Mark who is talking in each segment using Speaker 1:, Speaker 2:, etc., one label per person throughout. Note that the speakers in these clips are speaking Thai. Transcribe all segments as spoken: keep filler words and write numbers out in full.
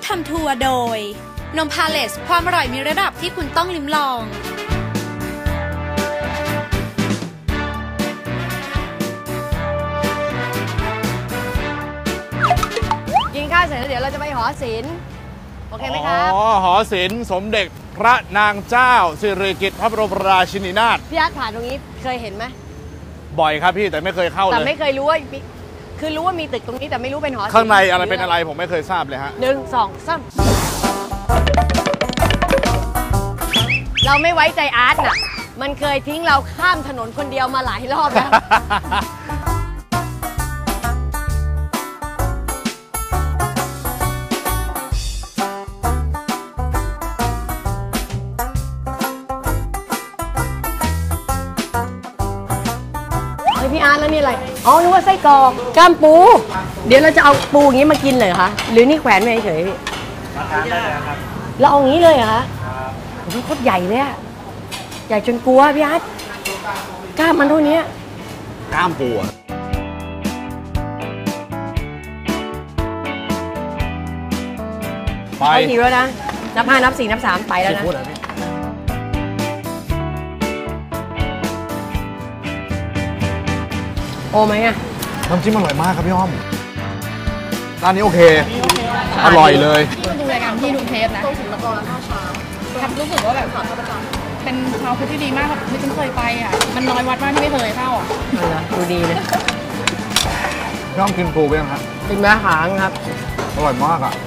Speaker 1: ทำทัวร์โดยนมพาเลสความอร่อยมีระดับที่คุณต้องลิ้มลอง
Speaker 2: กินข้าวเสร็จแล้วเดี๋ยวเราจะไปหอศิลป์โอเคไหมครับ
Speaker 3: อ๋อหอศิลป์สมเด็จพระนางเจ้าสิริกิติ์พระบรมราชินีนาถ
Speaker 2: พี่อาร์ตผ่านตรงนี้เคยเห็นไหม
Speaker 3: บ่อยครับพี่แต่ไม่เคยเข้าเลย
Speaker 2: แต่ไม่เคยรู้ว่าคือรู้ว่ามีตึกตรงนี้แต่ไม่รู้เป็นหอศิลป์
Speaker 3: ข้างในอะไรเป็นอะไรผมไม่เคยทราบเลยฮะ
Speaker 2: หนึ่งสองสามเราไม่ไว้ใจอาร์ตน่ะมันเคยทิ้งเราข้ามถนนคนเดียวมาหลายรอบแล้วพี่อาร์ตแล้วนี่อะไรอ๋อนึกว่าไส้กรอกก้ามปูเดี๋ยวเราจะเอาปูอย่างนี้มากินเลยเหรอคะหรือนี่แขวนไว้เฉยพี่มาทานได้เลยครับเราเอาอย่างนี้เลยเหรอคะโอ้โหโคตรใหญ่เลยอะใหญ่จนกลัวพี่อาร์ตกล้ามมันเท่านี้
Speaker 3: ก้ามปูไป
Speaker 2: ทีแล้วนะนับห้านับสี่นับสามไปแล้วนะโอ้ไหมอะ
Speaker 3: น้ำจิ้มอร่อยมากครับพี่อ้อมร้านนี้โอเคอร่อยเลย
Speaker 4: ที่มาดูรายการที่ดูเทปนะต้องถึงละครข้าวเช้าครับรู้สึกว่าแบบเป็นชาวพุทธที่ดีมากครับไม่ฉันเคยไปอ่ะมันน้อยวัดมากที่ไม่เคยเข้าอ่ะ
Speaker 2: ดูดีเลย
Speaker 3: พี่อ้อมกินปูไปยังครับ
Speaker 2: กินแม่หางครับ
Speaker 3: อร่อยมากอ่ะ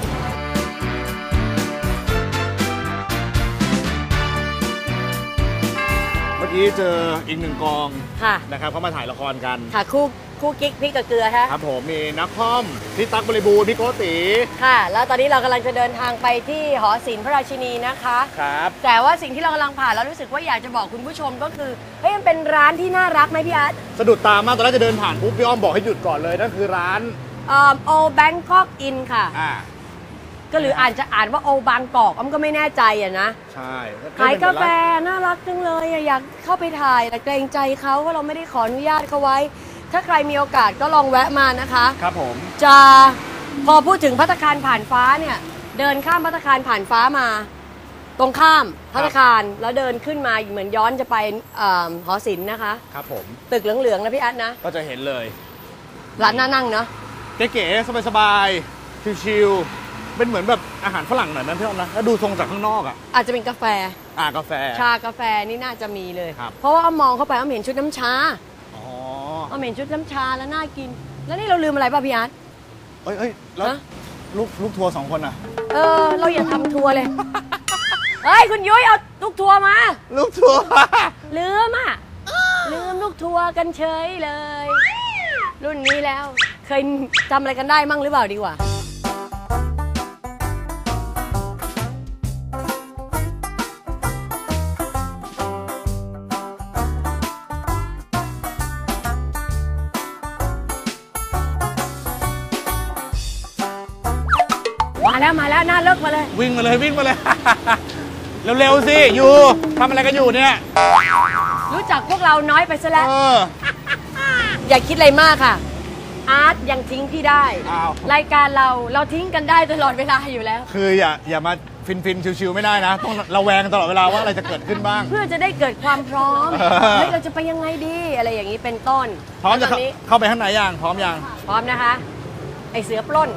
Speaker 3: เมื่อกี้เจออีกหนึ่งกองนะครับเขามาถ่ายละครกัน
Speaker 2: ค่ะคู่คู่กิ๊กพริกกับเกลือฮะ
Speaker 3: ครับผมมีนักคอมพี่ตั๊กบริบูรณ์พี่โกติ
Speaker 2: ค่ะแล้วตอนนี้เรากำลังจะเดินทางไปที่หอศิลป์พระราชินีนะคะ
Speaker 3: ครับ
Speaker 2: แต่ว่าสิ่งที่เรากำลังผ่านแล้วรู้สึกว่าอยากจะบอกคุณผู้ชมก็คือเฮ้ยมันเป็นร้านที่น่ารักไหมพี่อาร์ต
Speaker 3: สะดุดตามากตอนแรกจะเดินผ่านปุ๊บพี่อ้อมบอกให้หยุดก่อนเลยนั่นคือร้าน
Speaker 2: เอ่อโอแบงคอกอินค่ะอ่าก็หรืออ่านจะอ่านว่าโอบางกอกอ้อมก็ไม่แน่ใจอ่ะนะ
Speaker 3: ใช่
Speaker 2: ขายกาแฟน่ารักจังเลยอยากเข้าไปถ่ายแต่เกรงใจเขาว่าเราไม่ได้ขออนุญาตเขาไว้ถ้าใครมีโอกาสก็ลองแวะมานะคะ
Speaker 3: ครับผม
Speaker 2: จะพอพูดถึงภัตตาคารผ่านฟ้าเนี่ยเดินข้ามภัตตาคารผ่านฟ้ามาตรงข้ามภัตตาคารแล้วเดินขึ้นมาเหมือนย้อนจะไปหอศิลป์นะคะ
Speaker 3: ครับผม
Speaker 2: ตึกเหลืองๆนะพี่อาร์ตนะ
Speaker 3: ก็จะเห็นเลย
Speaker 2: ร้านน่านั่งเนาะ
Speaker 3: เก๋ๆสบายๆชิลๆเป็นเหมือนแบบอาหารฝรั่งหน่อยนะพี่อ้อมนะแล้วดูทรงจากข้างนอกอ่ะ
Speaker 2: อาจจะเป็นกาแฟ
Speaker 3: อ่ากาแฟ
Speaker 2: ชากาแฟนี่น่าจะมีเลยเพราะว่าอ้อมมองเข้าไปอ้อมเห็นชุดน้ำชาอ้อมเห็นชุดน้ำชาแล้วน่ากินแล้วนี่เราลืมอะไรป่ะพี่อาร์ต
Speaker 3: เอ้ยเอ้ยแล้วลูกลูกทัวร์สองคนอ่ะ
Speaker 2: เออเราอย่าทำทัวร์เลยเฮ้ยคุณยุ้ยเอาลูกทัวร์มา
Speaker 3: ลูกทัวร์
Speaker 2: ลืมอ่ะลืมลูกทัวร์กันเฉยเลยรุ่นนี้แล้วเคยจำอะไรกันได้มั่งหรือเปล่าดีกว่ามาแล้วมาแล้วน่าเลิกมาเลย
Speaker 3: วิ่งมาเลยวิ่งมาเลยเร็วๆสิอยู่ทำอะไรกันอยู่เนี่ย
Speaker 2: รู้จักพวกเราน้อยไปซะแล้วอย่าคิดอะไรมากค่ะอาร์ตยังทิ้งพี่ได้รายการเราเราทิ้งกันได้ตลอดเวลาอยู่แล้ว
Speaker 3: คืออย่าอย่ามาฟินฟินชิวๆไม่ได้นะต้องระแวงตลอดเวลาว่าอะไรจะเกิดขึ้นบ้าง
Speaker 2: เพื่อจะได้เกิดความพร้อมเฮ้ยเราจะไปยังไงดีอะไรอย่างนี้เป็นต้น
Speaker 3: พร้อมจะเข้าไปข้างในยังพร้อมยัง
Speaker 2: พร้อมนะคะไอเสือปล้น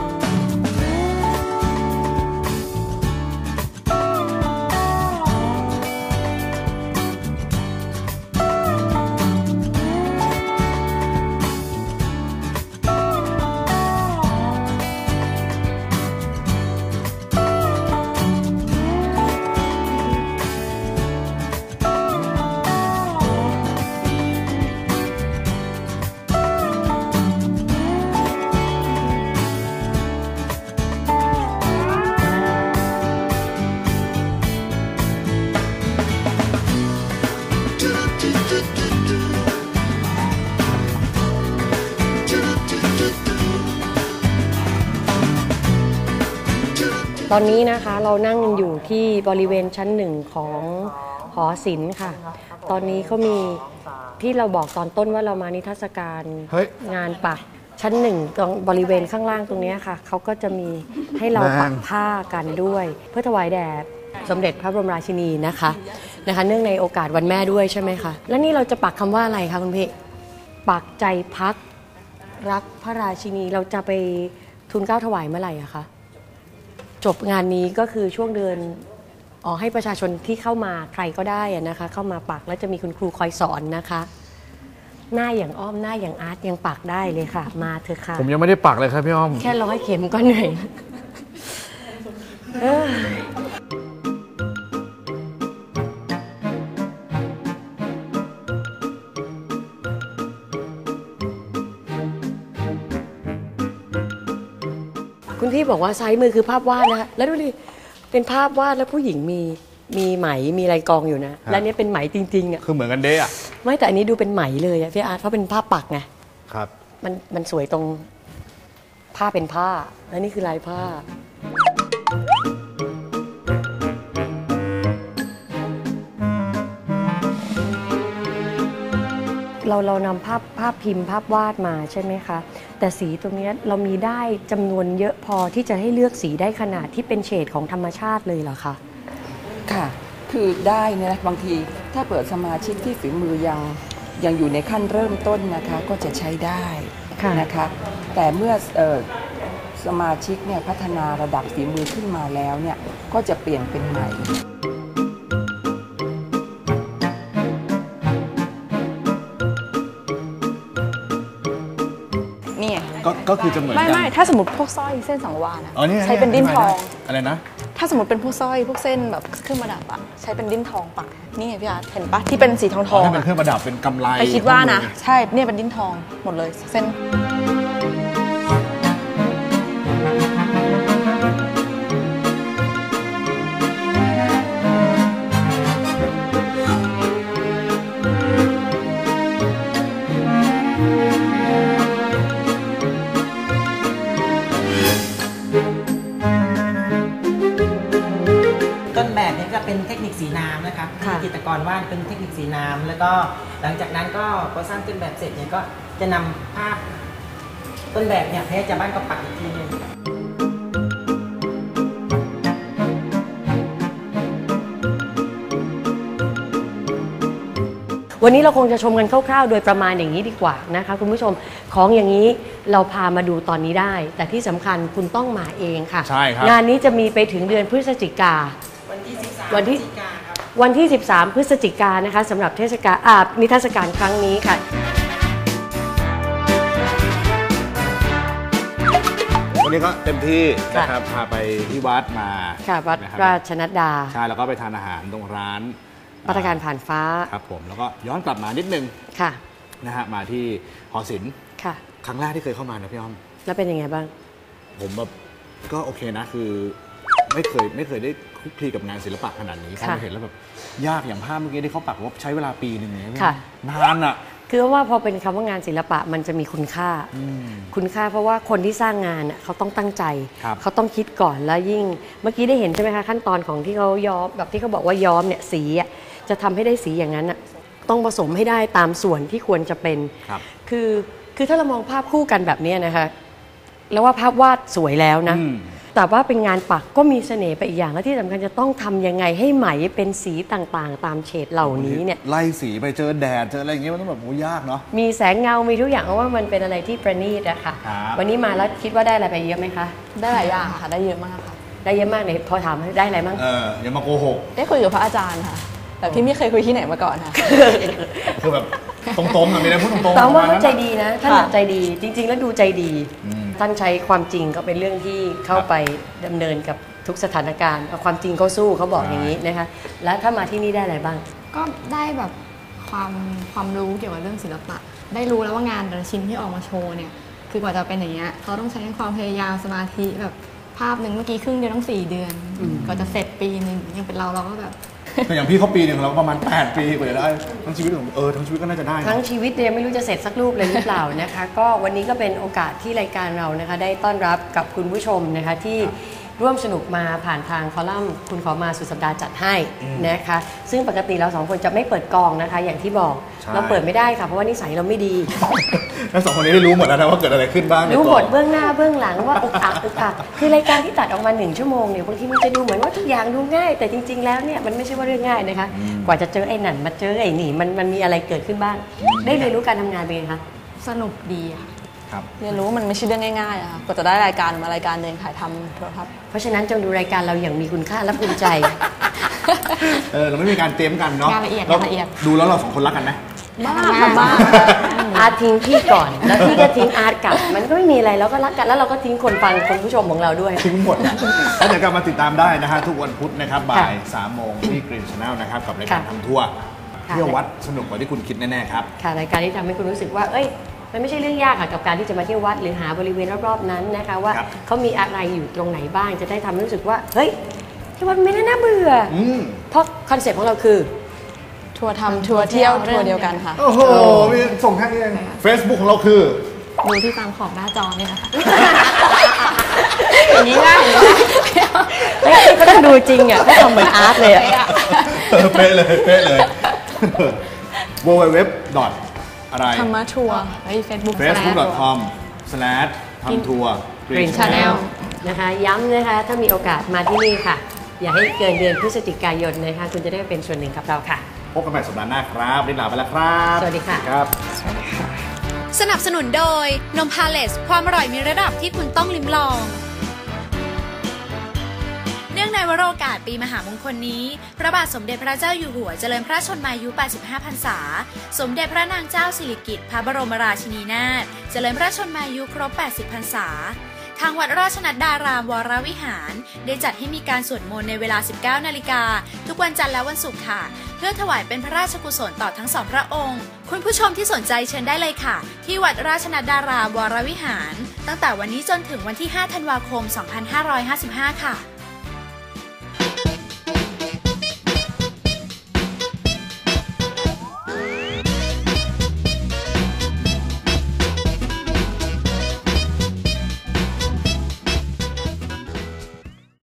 Speaker 2: ตอนนี้นะคะเรานั่งอยู่ที่บริเวณชั้นหนึ่งของหอศิลป์ค่ะตอนนี้เขามีที่เราบอกตอนต้นว่าเรามานิทรรศการงานปักชั้นหนึ่งตรงบริเวณข้างล่างตรงนี้ค่ะเขาก็จะมีให้เราปักผ้ากันด้วย เพื่อถวายแด่สมเด็จพระบรมราชินีนะคะนะคะเนื่องในโอกาสวันแม่ด้วยใช่ไหมคะแล้วนี่เราจะปักคำว่าอะไรคะคุณพี่ปักใจพักรักพระราชินีเราจะไปทูลเกล้าถวายเมื่อไหร่อะคะจบงานนี้ก็คือช่วงเดือนอ๋อให้ประชาชนที่เข้ามาใครก็ได้อะนะคะเข้ามาปักแล้วจะมีคุณครูคอยสอนนะคะหน้าอย่างอ้อมหน้าอย่างอาร์ตยังปักได้เลยค่ะมาเถอะค่ะ
Speaker 3: ผมยังไม่ได้ปักเลยครับพี่อ้อม
Speaker 2: แค่ร้อยเข็มก็เหนื่อยเออคุณพี่บอกว่าซ้ายมือคือภาพวาดนะคะแล้วดูดิเป็นภาพวาดแล้วผู้หญิงมีมีไหมมีลายกองอยู่นะและนี่เป็นไหมจริงๆอ่ะ
Speaker 3: คือเหมือนกันเด้อะ
Speaker 2: ไม่แต่อันนี้ดูเป็นไหมเลยอะพี่อาร์ตเพราะเป็นภาพปักไง
Speaker 3: ครับ
Speaker 2: มันมันสวยตรงผ้าเป็นผ้าและนี่คือลายผ้าเราเรานำภาพภาพพิมพ์ภาพวาดมาใช่ไหมคะแต่สีตรงนี้เรามีได้จำนวนเยอะพอที่จะให้เลือกสีได้ขนาดที่เป็นเฉดของธรรมชาติเลยเหรอคะ
Speaker 5: ค่ะคือได้เนี่ยบางทีถ้าเปิดสมาชิกที่ฝีมือยังยังอยู่ในขั้นเริ่มต้นนะคะก็จะใช้ได้นะคะแต่เมื่อเอ่อสมาชิกเนี่ยพัฒนาระดับฝีมือขึ้นมาแล้วเนี่ยก็จะเปลี่ยนเป็นใหม่
Speaker 6: นี่
Speaker 3: ก็ก็คือจะเหมือน
Speaker 6: ไม่ไม่ถ้าสมมติพวกสร้อยเส้นสังวาลอะใช้เป็นดิ้นทอง
Speaker 3: อะไรนะ
Speaker 6: ถ้าสมมติเป็นพวกสร้อยพวกเส้นแบบเครื่องประดับอะใช้เป็นดิ้นทองปักนี่ไงพี่อาร์ตเห็นปะที่เป็นสีทองทอง
Speaker 3: เป็นเครื่องประดับเป็นกำไล
Speaker 6: ไปคิดว่านะใช่เนี่ยเป็นดิ้นทองหมดเลยเส้น
Speaker 7: ต้นแบบนี้ก็เป็นเทคนิคสีน้ำนะคะจิตรกรวาดเป็นเทคนิคสีน้ำแล้วก็หลังจากนั้นก็พอสร้างต้นแบบเสร็จเนี่ยก็จะนำภาพต้นแบบเนี่ยให้อาจารย์บ้านก็ปักอีกทีนึง
Speaker 2: วันนี้เราคงจะชมกันคร่าวๆโดยประมาณอย่างนี้ดีกว่านะคะคุณผู้ชมของอย่างนี้เราพามาดูตอนนี้ได้แต่ที่สำคัญคุณต้องมาเองค่ะ
Speaker 3: ใช่ครับ
Speaker 2: งานนี้จะมีไปถึงเดือนพฤศจิกา
Speaker 7: วันที่สิบสาม
Speaker 2: วันที่วันที่สิบสามพฤศจิกายนนะคะสำหรับเทศกาลอานิทรรศการครั้งนี้ค่ะ
Speaker 3: วันนี้ก็เต็มที่นะครับพาไปที่วัดมา
Speaker 2: ค่ะวัดราชนัดดา
Speaker 3: ใช่แล้วก็ไปทานอาหารตรงร้าน
Speaker 2: ภัตตาคารผ่านฟ้า
Speaker 3: ครับผมแล้วก็ย้อนกลับมานิดนึง
Speaker 2: ค่ะ
Speaker 3: นะฮะมาที่หอศิลป์
Speaker 2: ค่ะ
Speaker 3: ครั้งแรกที่เคยเข้ามานะพี่อ้อม
Speaker 2: แล้วเป็นยังไงบ้าง
Speaker 3: ผมแบบก็โอเคนะคือไม่เคยไม่เคยได้คลุกคลีกับงานศิลปะขนาดนี้พอมาเห็นแล้วแบบยากอย่างภาพเมื่อกี้ที่เขาปักว่าใช้เวลาปีหนึ่งเนี่ยนานอ่ะ
Speaker 2: คือว่าพอเป็นคำว่างานศิลปะมันจะมีคุณค่าคุณค่าเพราะว่าคนที่สร้างงานเขาต้องตั้งใจเขาต้องคิดก่อนแล้วยิ่งเมื่อกี้ได้เห็นใช่ไหมคะขั้นตอนของที่เขาย้อมแบบที่เขาบอกว่าย้อมเนี่ยสีจะทำให้ได้สีอย่างนั้นต้องผสมให้ได้ตามส่วนที่ควรจะเป็นคือคือถ้าเรามองภาพคู่กันแบบนี้นะคะแล้วว่าภาพวาดสวยแล้วนะแต่ว่าเป็นงานปักก็มีเสน่ห์ไปอีกอย่างและที่สำคัญจะต้องทำยังไงให้ไหมเป็นสีต่างๆตามเฉดเหล่านี้เนี่ย
Speaker 3: ไล่สีไปเจอแดดเจออะไรอย่างเงี้ยมันต้องแบบโหยากเนาะ
Speaker 2: มีแสงเงามีทุกอย่างเพราะว่ามันเป็นอะไรที่ประณีตอะค่ะวันนี้มาแล้วคิดว่าได้อะไรไปเยอะไหมคะ
Speaker 6: ได้หลายอย่างค่ะได้เยอะมากค่ะ
Speaker 2: ได้เยอะมากเลยพอถามได้อะไรบ้าง
Speaker 3: เอออย่ามาโกหก
Speaker 6: ได้คุยกับพระอาจารย์ค่ะแต่พี่ไม่เคยคุยที่ไหนมาก่อนค่ะ
Speaker 3: คือแบบตรงๆอ่ะมีอะไรพูดตรงๆ
Speaker 2: แต่ว่าเขาใจดีนะท่านใจดีจริงๆแล้วดูใจดีท่านใช้ความจริงก็เป็นเรื่องที่เข้าไปดำเนินกับทุกสถานการณ์เอาความจริงเขาสู้เขาบอกอย่างนี้นะคะแล้วถ้ามาที่นี่ได้อะไรบ้าง
Speaker 4: ก็ได้แบบความความรู้เกี่ยวกับเรื่องศิลปะได้รู้แล้วว่างานแต่ละชิ้นที่ออกมาโชว์เนี่ยคือกว่าจะเป็นอย่างเงี้ยเขาต้องใช้ความพยายามสมาธิแบบภาพหนึ่งเมื่อกี้ครึ่งเดือนต้องสี่เดือนก็จะเสร็จปีหนึ่งยังเป็นเราเราก็แบบ
Speaker 3: แต่อย่างพี่เขาปีหนึ่งเราประมาณแปดปีกว่าจะได้ทั้งชีวิตของเออทั้งชีวิตก็น่าจะได้
Speaker 2: ทั้งชีวิตเนี่ยไม่รู้จะเสร็จสักรูปเลยหรือเปล่านะคะก็วันนี้ก็เป็นโอกาสที่รายการเรานะคะได้ต้อนรับกับคุณผู้ชมนะคะที่ร่วมสนุกมาผ่านทางคอลัมน์คุณขอมาสุดสัปดาห์จัดให้นะคะซึ่งปกติเราสองคนจะไม่เปิดกองนะคะอย่างที่บอกเราเปิดไม่ได้ค่ะเพราะว่านิสัยเราไม่ดี
Speaker 3: แล้วสองคนนี้ได้รู้หมดแล้วนะว่าเกิดอะไรขึ้นบ้าง
Speaker 2: รู้หมดเบื้องหน้าเบื้องหลังว่าอึกอักอึกอักคือรายการที่ตัดออกมาหนึ่งชั่วโมงเนี่ยบางทีมันจะดูเหมือนว่าทุกอย่างดูง่ายแต่จริงๆแล้วเนี่ยมันไม่ใช่ว่าเรื่องง่ายนะคะกว่าจะเจอไอ้นั่นมาเจอไอ้นี่มันมันมีอะไรเกิดขึ้นบ้างได้เรียนรู้การทำงานเป็นไงคะ
Speaker 4: สนุกดีค่ะ
Speaker 6: เรียนรู้ว่ามันไม่ใช่เรื่องง่ายๆอะค่ะกว่าจะได้รายการมารายการหนึ่งถ่ายทำโทรทัศน์
Speaker 2: เพราะฉะนั้นจงดูรายการเราอย่างมีคุณค่าและภูมิใจ
Speaker 3: เออเราไม่มีการเตรียมกันเนาะ
Speaker 4: งานละเอียดงานละเอียด
Speaker 3: ดูแล้วเราสองคนรักกันไหม
Speaker 6: มากค่ะมาก
Speaker 2: อาร์ตทิ้งพี่ก่อนแล้วพี่ก็ทิ้งอาร์ตกลับมันก็ไม่มีอะไรแล้วก็รักกันแล้วเราก็ทิ้งคนฟังคนผู้ชมของเราด้วย
Speaker 3: ทิ้งหมดแล้วเดี๋ยวกลับมาติดตามได้นะฮะทุกวันพุธนะครับบ่ายสามโมงที่ Green Channel นะครับกับรายการทำทัวร์เที่ยววัดสนุกกว่าที่คุณคิดแน่ๆครับ
Speaker 2: ค่ะรายการที่ทำให้คุณรู้สึกว่าเอ้ยมันไม่ใช่เรื่องยากค่ะกับการที่จะมาเที่ยววัดหรือหาบริเวณรอบๆนั้นนะคะว่าเขามีอะไรอยู่ตรงไหนบ้างจะได้ทำให้รู้สึกว่าเฮ้ยที่วัดไม่น่าเบื่อเพราะคอนเซ็ปต์ของเราคือ
Speaker 6: ทัวร์ทำทัวร์เที่ยวทัวร์เดียวกันค่ะ
Speaker 3: โอ้โหมีส่งแค่นี้เอง Facebook ของเราคือ
Speaker 4: ดูที่ตามขอบหน้าจอนี่นะคะ
Speaker 2: อย่างนี้ง่ายก็ต้องดูจริงอ่ะก็ทำเหมือนอาร์ตเลยอ่ะ
Speaker 3: เป๊ะเลยเป๊ะเลย ดับเบิลยู ดับเบิลยู ดับเบิลยู ดอท อะไร
Speaker 6: ธรรมะทัวร์
Speaker 4: ไอ้เฟซบุ๊ก
Speaker 3: เฟซบุ๊ก ดอท คอม สแลช ทำทัวร์
Speaker 2: Green Channel นะคะย้ำนะคะถ้ามีโอกาสมาที่นี่ค่ะอย่าให้เกินเดือนพฤศจิกายนนะคะคุณจะได้เป็นส่วนหนึ่งกับเราค่ะ
Speaker 3: พบกันใหม่สัปดาห์หน้าครับลิลาไปแล้วครับ
Speaker 2: สวัสดีค่ะ
Speaker 3: ครับ
Speaker 1: สนับสนุนโดยนมพาเลสความอร่อยมีระดับที่คุณต้องลิ้มลองเนื่องในวโรกาสปีมหามงคลนี้พระบาทสมเด็จพระเจ้าอยู่หัวเจริญพระชนมายุแปดสิบห้าพรรษาสมเด็จพระนางเจ้าสิริกิติ์พระบรมราชินีนาถเจริญพระชนมายุครบแปดสิบพรรษาทางวัดราชนัดดารามวรวิหารได้จัดให้มีการสวดมนต์ในเวลา สิบเก้านาฬิกาทุกวันจันทร์และวันศุกร์ค่ะเพื่อถวายเป็นพระราชกุศลต่อทั้งสองพระองค์คุณผู้ชมที่สนใจเชิญได้เลยค่ะที่วัดราชนัดดารามวรวิหารตั้งแต่วันนี้จนถึงวันที่ห้าธันวาคมสองพันห้าร้อยห้าสิบห้าค่ะ